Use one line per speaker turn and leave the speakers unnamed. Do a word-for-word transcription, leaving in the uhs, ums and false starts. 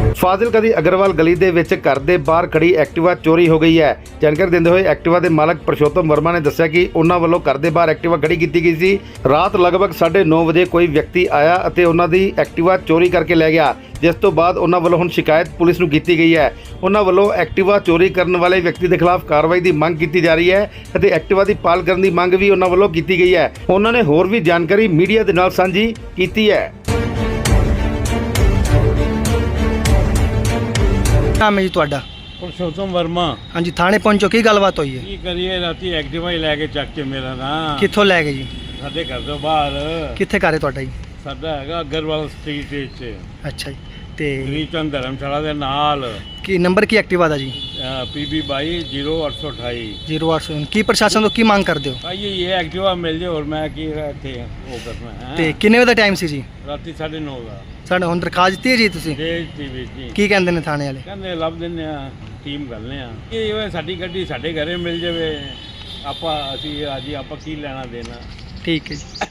ਫਾਜ਼ਿਲਕਾ ਦੀ ਅਗਰਵਾਲ ਗਲੀ ਦੇ ਵਿੱਚ ਘਰ ਦੇ ਬਾਹਰ ਖੜੀ ਐਕਟਿਵਾ ਚੋਰੀ ਹੋ ਗਈ ਹੈ। ਜਾਣਕਾਰੀ ਦਿੰਦੇ ਹੋਏ ਐਕਟਿਵਾ ਦੇ ਮਾਲਕ ਪ੍ਰਸ਼ੋਤਮ ਵਰਮਾ ਨੇ ਦੱਸਿਆ ਕਿ ਉਹਨਾਂ ਵੱਲੋਂ ਘਰ ਦੇ ਬਾਹਰ ਐਕਟਿਵਾ ਖੜੀ ਕੀਤੀ ਗਈ ਸੀ। ਰਾਤ ਲਗਭਗ ਸਾਢੇ ਨੌ ਵਜੇ ਕੋਈ ਵਿਅਕਤੀ ਆਇਆ ਅਤੇ ਉਹਨਾਂ ਦੀ ਐਕਟਿਵਾ ਚੋਰੀ ਕਰਕੇ ਲੈ ਗਿਆ, ਜਿਸ ਤੋਂ ਬਾਅਦ ਉਹਨਾਂ ਵੱਲੋਂ ਹੁਣ ਸ਼ਿਕਾਇਤ ਪੁਲਿਸ ਨੂੰ ਕੀਤੀ ਗਈ ਹੈ। ਉਹਨਾਂ ਵੱਲੋਂ ਐਕਟਿਵਾ ਚੋਰੀ ਕਰਨ ਵਾਲੇ ਵਿਅਕਤੀ ਦੇ ਖਿਲਾਫ ਕਾਰਵਾਈ ਦੀ ਮੰਗ ਕੀਤੀ ਜਾ ਰਹੀ ਹੈ ਅਤੇ ਐਕਟਿਵਾ ਦੀ ਭਾਲ ਕਰਨ ਦੀ ਮੰਗ ਵੀ ਉਹਨਾਂ ਵੱਲੋਂ ਕੀਤੀ ਗਈ ਹੈ। ਉਹਨਾਂ ਨੇ ਹੋਰ ਵੀ ਜਾਣਕਾਰੀ ਮੀਡੀਆ ਦੇ ਨਾਲ ਸਾਂਝੀ ਕੀਤੀ ਹੈ।
ਨਾਮ ਹੈ ਜੀ ਤੁਹਾਡਾ?
पुरुषोत्तम वर्मा।
ਹਾਂਜੀ, ਥਾਣੇ ਪਹੁੰਚੋ, ਕੀ ਗੱਲਬਾਤ ਹੋਈ ਹੈ?
की करिए राती एक्टिवा ही लैके चक के मेरा ना
ਕਿੱਥੋਂ ਲੈ ਗਏ ਜੀ?
साडे घर तो बाहर
ਕਿੱਥੇ ਘਰ ਹੈ ਤੁਹਾਡਾ ਜੀ?
साडा हैगा अग्रवाल स्ट्रीट विच
ਅੱਛਾ ਜੀ, ਤੇ
ਗਰੀਚੰਦ ਧਰਮਸ਼ਾਲਾ ਦੇ ਨਾਲ
ਕੀ ਨੰਬਰ ਕੀ ਐਕਟਿਵਾ ਦਾ ਜੀ?
पीबी बाई जीरो अठ सौ अठाई।
ਜ਼ੀਰੋ ਅੱਠ ਸੌ। ਕੀ ਪ੍ਰਸ਼ਾਸਨ ਤੋਂ ਕੀ ਮੰਗ ਕਰਦੇ ਹੋ?
आइए ये एक्टिवा मिल जाए और मैं की इत्थे वो करना है।
ਤੇ ਕਿੰਨੇ ਵਜੇ ਦਾ ਟਾਈਮ ਸੀ ਜੀ?
राती साढ़े नौ का
ਸਾਡੇ ਹੁਣ ਦਰਖਾਸਤ ਦਿੱਤੀ ਹੈ ਜੀ ਤੁਸੀਂ?
ਜੀ ਜੀ ਜੀ
ਕੀ ਕਹਿੰਦੇ ਨੇ ਥਾਣੇ ਵਾਲੇ?
ਕਹਿੰਦੇ ਲੱਭ ਦਿੰਦੇ ਆ, ਟੀਮ ਕਰਨੇ ਆ। ਇਹ ਹੋਏ ਸਾਡੀ ਗੱਡੀ ਸਾਡੇ ਘਰੇ ਮਿਲ ਜਾਵੇ, ਆਪਾਂ ਅਸੀਂ ਅੱਜ ਆਪਾਂ ਕੀ ਲੈਣਾ ਦੇਣਾ।
ਠੀਕ ਹੈ ਜੀ।